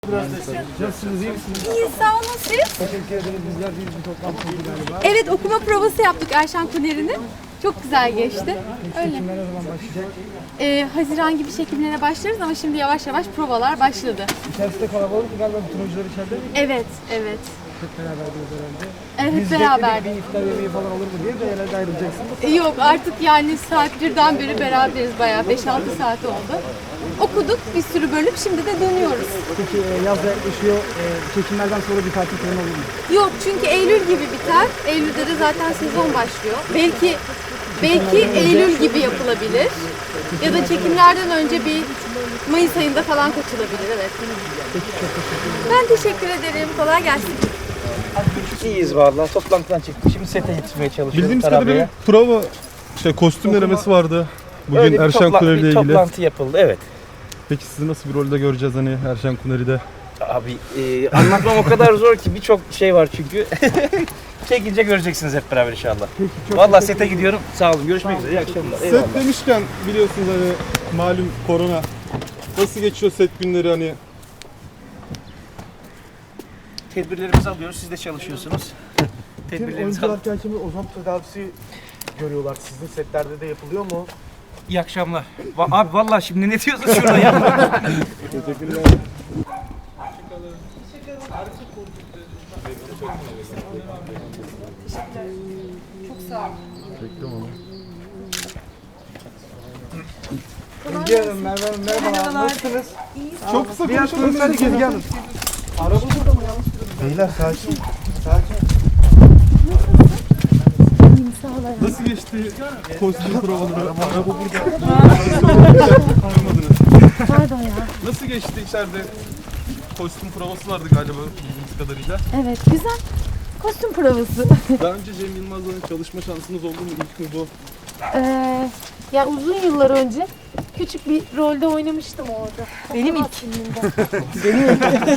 Nasılsınız, iyi misiniz? İyi, sağ olun siz. Teşekkür ederiz. Bizler bir toplantıydı galiba. Evet, okuma provası yaptık Erşan Kuneri'nin. Çok güzel geçti. Öyle. Çekimler ne zaman başlayacak? Haziran gibi çekimlere başlarız ama şimdi yavaş yavaş provalar başladı. İçerisinde kalabalık galiba bütün oyuncular içeride mi? Evet, evet. Hep beraberdiniz herhalde. Evet, Biz beraber. bekledik bir iftar yemeği falan olur mu diye de herhalde ayrılacaksınız. Yok artık yani saat 1'den beri beraberiz bayağı 5-6 saat oldu. Okuduk bir sürü bölüm, şimdi de dönüyoruz. Peki yaz da yaklaşıyor. Çekimlerden sonra bir tatil planı olur mu? Yok çünkü Eylül gibi biter. Eylül'de de zaten sezon başlıyor. Belki Eylül gibi yapılabilir. Ya da çekimlerden önce bir Mayıs ayında falan kaçılabilir, evet. Ben teşekkür ederim. Kolay gelsin. İyiyiz vallahi. Toplantıdan çıktık. Şimdi sete yetişmeye çalışıyoruz. Bildiğimiz kadarıyla Tarabya'ya. bir prova, kostüm denemesi vardı. Bugün Öyle bir Erşan Kuneri ile bir ilgili. toplantı yapıldı. Evet. Peki sizi nasıl bir rolde göreceğiz hani Erşan Kuneri'de? Abi anlatmam o kadar zor ki birçok şey var çünkü. Çekince göreceksiniz hep beraber inşallah. Peki çok Vallahi sete gidiyorum. Sağ olun. Görüşmek üzere. İyi akşamlar. Eyvallah. Set demişken biliyorsunuz hani malum korona. Nasıl geçiyor set günleri hani? Tedbirlerimizi alıyoruz. Siz de çalışıyorsunuz. Tüm Tedbirlerimizi oyuncular alıyoruz. kendini ozon tedavisi görüyorlar. Sizin setlerde de yapılıyor mu? İyi akşamlar. Abi vallahi şimdi ne diyorsun şurada ya? Teşekkürler. Bilge Hanım, Merve Hanım merhaba. Nasılsınız? Çok kısa Bir konuşalım. atmosfer Bilge Hanım. Araba burada mı? Yanlış mı? Beyler sakin. Sakin. Nasıl geçti kostüm provaları? Araba burada. Anlamadınız. Pardon ya. Nasıl geçti içeride? Kostüm provası vardı galiba bildiğimiz kadarıyla. Evet, güzel. Kostüm provası. Daha önce Cem Yılmaz'la çalışma şansınız oldu mu? İlk mi bu? Ya uzun yıllar önce küçük bir rolde oynamıştım orada. Benim ilk filmimde.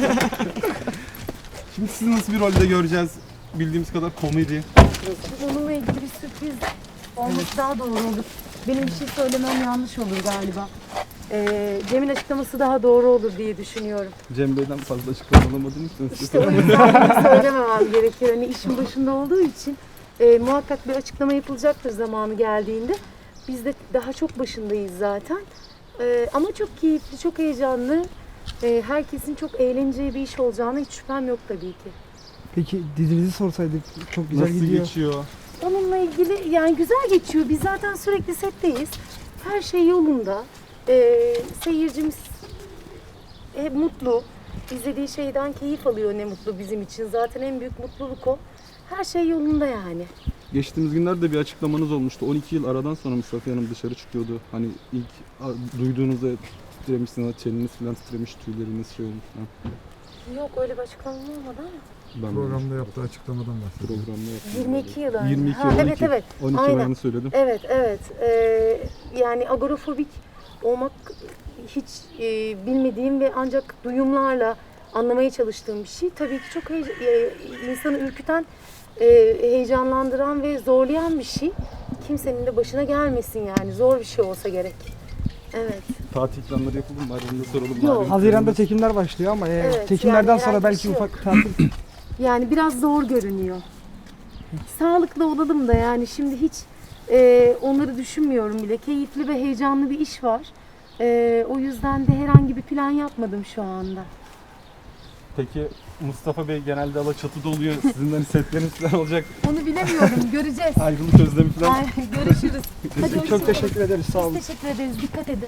Şimdi sizi nasıl bir rolde göreceğiz? Bildiğimiz kadar komedi. Onunla ilgili bir sürpriz olması daha doğru olur. Benim bir şey söylemem yanlış olur galiba. Cem'in açıklaması daha doğru olur diye düşünüyorum. Cem Bey'den fazla açıklama alamadığım için İşte o yüzden bunu söylememem gerekiyor. Hani işin başında olduğu için muhakkak bir açıklama yapılacaktır zamanı geldiğinde. Biz de daha çok başındayız zaten. Ama çok keyifli, çok heyecanlı. Herkesin çok eğleneceği bir iş olacağına hiç şüphem yok tabii ki. Peki dizinizi sorsaydık çok güzel nasıl gidiyor. geçiyor? Onunla ilgili yani güzel geçiyor. Biz zaten sürekli setteyiz. Her şey yolunda. Seyircimiz hep mutlu. İzlediği şeyden keyif alıyor, ne mutlu bizim için. Zaten en büyük mutluluk o. Her şey yolunda yani. Geçtiğimiz günlerde bir açıklamanız olmuştu. 12 yıl aradan sonra Mustafa Hanım dışarı çıkıyordu. Hani ilk duyduğunuzda titremişsiniz, çeneniz falan titremiş, tüyleriniz şey olmuş falan. Yok öyle bir açıklama olmadı ama. Ben Programda yaptığı açıklamadan bahsediyor. programda yaptım. 22 yıl önce. 22 Ha, 12. evet evet. 12 Aynen. ayını söyledim. Evet evet. Yani agorafobik olmak hiç bilmediğim ve ancak duyumlarla anlamaya çalıştığım bir şey. Tabii ki çok insanı ürküten, heyecanlandıran ve zorlayan bir şey. Kimsenin de başına gelmesin yani. Zor bir şey olsa gerek. Evet. Tatil planları yapıldı mı? Aranızda soralım. Yok. Malum Haziran'da planımız- çekimler başlıyor ama Evet, çekimlerden yani sonra herhangi belki bir şey ufak tatil. Yani biraz zor görünüyor. Sağlıklı olalım da yani şimdi hiç onları düşünmüyorum bile. Keyifli ve heyecanlı bir iş var. O yüzden de herhangi bir plan yapmadım şu anda. Peki Mustafa Bey genelde Alaçatı'da oluyor. Sizin hani setleriniz falan olacak. Onu bilemiyorum. Göreceğiz. Ayrılık özlemi falan. Ay, görüşürüz. Hadi Çok teşekkür ederiz. Sağ olun. Biz teşekkür ederiz. Dikkat edin.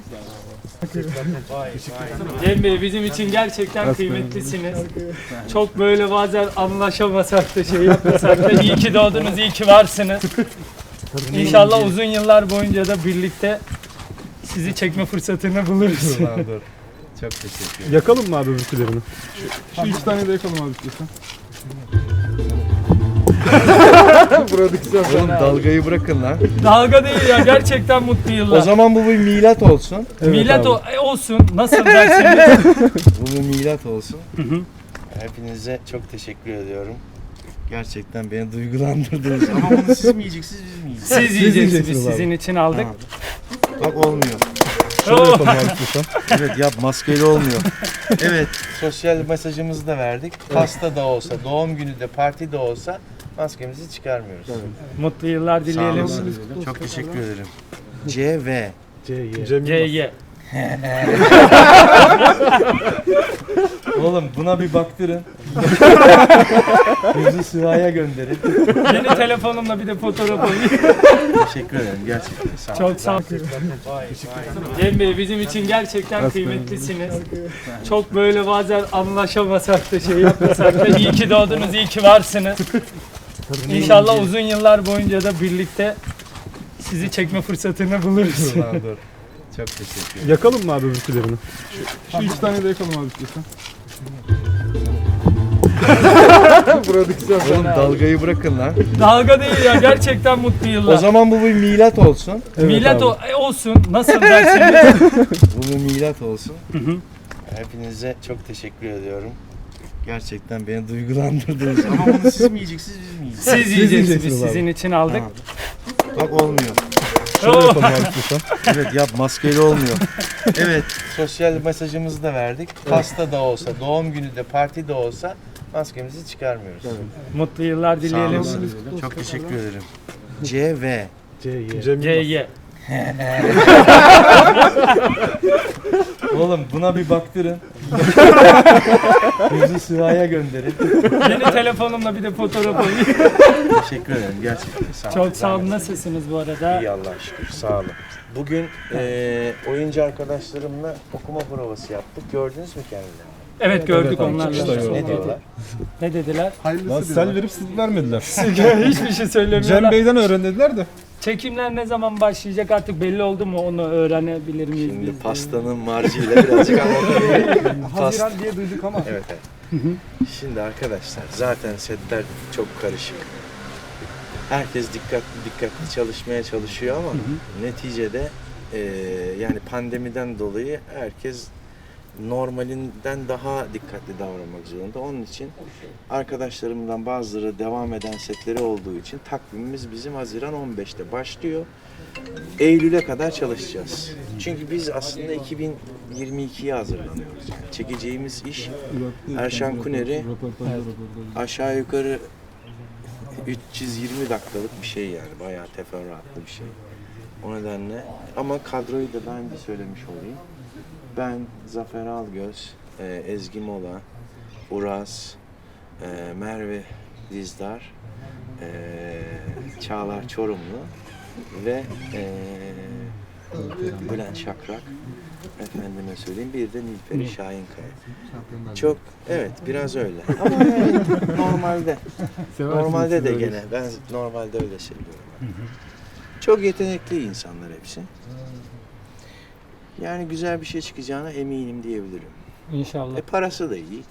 Cem Bey bizim için gerçekten kıymetlisiniz. Çok böyle bazen anlaşamasak da şey yapmasak da iyi ki doğdunuz, iyi ki varsınız. İnşallah uzun yıllar boyunca da birlikte sizi çekme fırsatını buluruz. Çok teşekkür ederim. Yakalım mı abi öbürkülerini? Şu 3 tane de yakalım abi istiyorsan. Oğlum dalgayı bırakın lan. Dalga değil ya, gerçekten mutlu yıllar. O zaman bu bir milat olsun. Milat olsun, nasıl dersiniz? Bu bir milat olsun. Hepinize çok teşekkür ediyorum. Gerçekten beni duygulandırdınız. Ama bunu siz mi yiyeceksiniz, biz mi yiyeceğiz? Siz yiyeceksiniz, sizin için aldık. Bak olmuyor. Şöyle yapalım abi istiyorsan. Evet yap, maskeyle olmuyor. Evet, sosyal mesajımızı da verdik. Pasta da olsa, doğum günü de, parti de olsa maskemizi çıkarmıyoruz. Mutlu yıllar Sağ dileyelim. olasın. Çok teşekkür ederim. CV. CY. Oğlum buna bir baktırın. Yüzü Sıva'ya gönderin. Yeni telefonumla bir de fotoğraf alayım. Teşekkür ederim gerçekten. Sağ olun. Çok sağ olun. Cem Bey bizim için gerçekten kıymetlisiniz. Çok böyle bazen anlaşamasak da şey yapmasak da iyi ki doğdunuz, iyi ki varsınız. İnşallah uzun yıllar boyunca da birlikte sizi çekme fırsatını buluruz. Dur. Çok teşekkür ederim. Yakalım mı abi öbürkülerini? Şu iki tane de yakalım abi istiyorsan. Oğlum dalgayı bırakın lan. Dalga değil ya, gerçekten mutlu yıllar. O zaman bu bir milat olsun. Millet olsun, nasıl derseniz. Bu bir milat olsun. Hepinize çok teşekkür ediyorum. Gerçekten beni duygulandırdınız. Ama bunu siz mi yiyeceksiniz, biz mi yiyeceğiz? Siz yiyeceksiniz, yiyeceksiniz abi. sizin için aldık. Bak olmuyor. Şöyle yapalım abi istiyorsan. Evet yap, maskeyle olmuyor. Evet, sosyal mesajımızı da verdik. Pasta da olsa, doğum günü de, parti de olsa maskemizi çıkarmıyoruz. Mutlu yıllar Sağ dileyelim. olasın. Çok teşekkür ederim. CV. CY. Oğlum buna bir baktırın. Yüzü Sıva'ya gönderin. Yeni telefonumla bir de fotoğraf alayım. Teşekkür ederim gerçekten. Sağ olun. Çok sağ olun. Nasılsınız bu arada? İyi Allah'a şükür. Sağ olun. Bugün oyuncu arkadaşlarımla okuma provası yaptık. Gördünüz mü kendilerini? Evet gördük Evet abi, onlarla. çıkışta gördüm. Ne diyorlar? Ne dediler? Lan sel verip siz vermediler. Hiçbir şey Cem söylemiyorlar. Bey'den öğren dediler de. Çekimler ne zaman başlayacak artık belli oldu mu, onu öğrenebilir miyiz Şimdi biz? pastanın marjıyla birazcık anlatayım. Haziran diye duyduk ama. Evet evet. Şimdi arkadaşlar zaten setler çok karışık. Herkes dikkatli çalışmaya çalışıyor ama neticede yani pandemiden dolayı herkes normalinden daha dikkatli davranmak zorunda. Onun için arkadaşlarımdan bazıları devam eden setleri olduğu için takvimimiz bizim Haziran 15'te başlıyor. Eylül'e kadar çalışacağız. Çünkü biz aslında 2022'ye hazırlanıyoruz. Yani çekeceğimiz iş Erşan Kuner'i aşağı yukarı 320 dakikalık bir şey yani. Bayağı teferruatlı bir şey. O nedenle ama kadroyu da daha önce söylemiş olayım. Ben, Zafer Algöz, Ezgi Mola, Uras, Merve Dizdar, Çağlar Çorumlu ve Bülent Şakrak, efendime söyleyeyim, bir de Nilperi Şahinkaya. Çok, evet biraz öyle ama yani normalde de gene ben normalde öyle seviyorum. Çok yetenekli insanlar hepsi. Yani güzel bir şey çıkacağına eminim diyebilirim. İnşallah. Parası da iyi.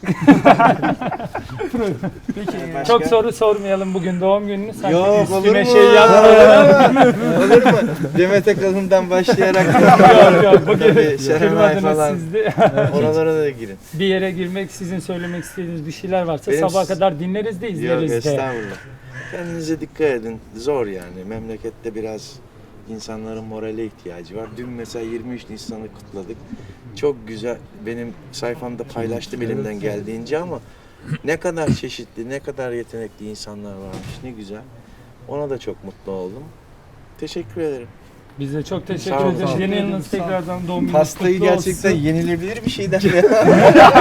Peki Başka? çok soru sormayalım bugün doğum gününü. Sanki Yok, üstüne olur mu? şey yapmayalım. Olur mu? Demet Akalın'dan başlayarak Yok bugün Tabii, Serenay kırmadınız falan. siz de. oralara da girin. Bir yere girmek, sizin söylemek istediğiniz bir şeyler varsa Benim- sabaha kadar dinleriz de Yok izleriz de. estağfurullah. Kendinize dikkat edin. Zor yani. Memlekette biraz insanların morale ihtiyacı var. Dün mesela 23 Nisan'ı kutladık. Çok güzel. Benim sayfamda paylaştım elimden geldiğince ama ne kadar çeşitli, ne kadar yetenekli insanlar varmış. Ne güzel. Ona da çok mutlu oldum. Teşekkür ederim. Biz de çok Sağ teşekkür olun, ederiz. sağ olun. Yeni yılınız tekrardan doğum gününüz Pastayı kutlu olsun. gerçekten yenilebilir bir şeyden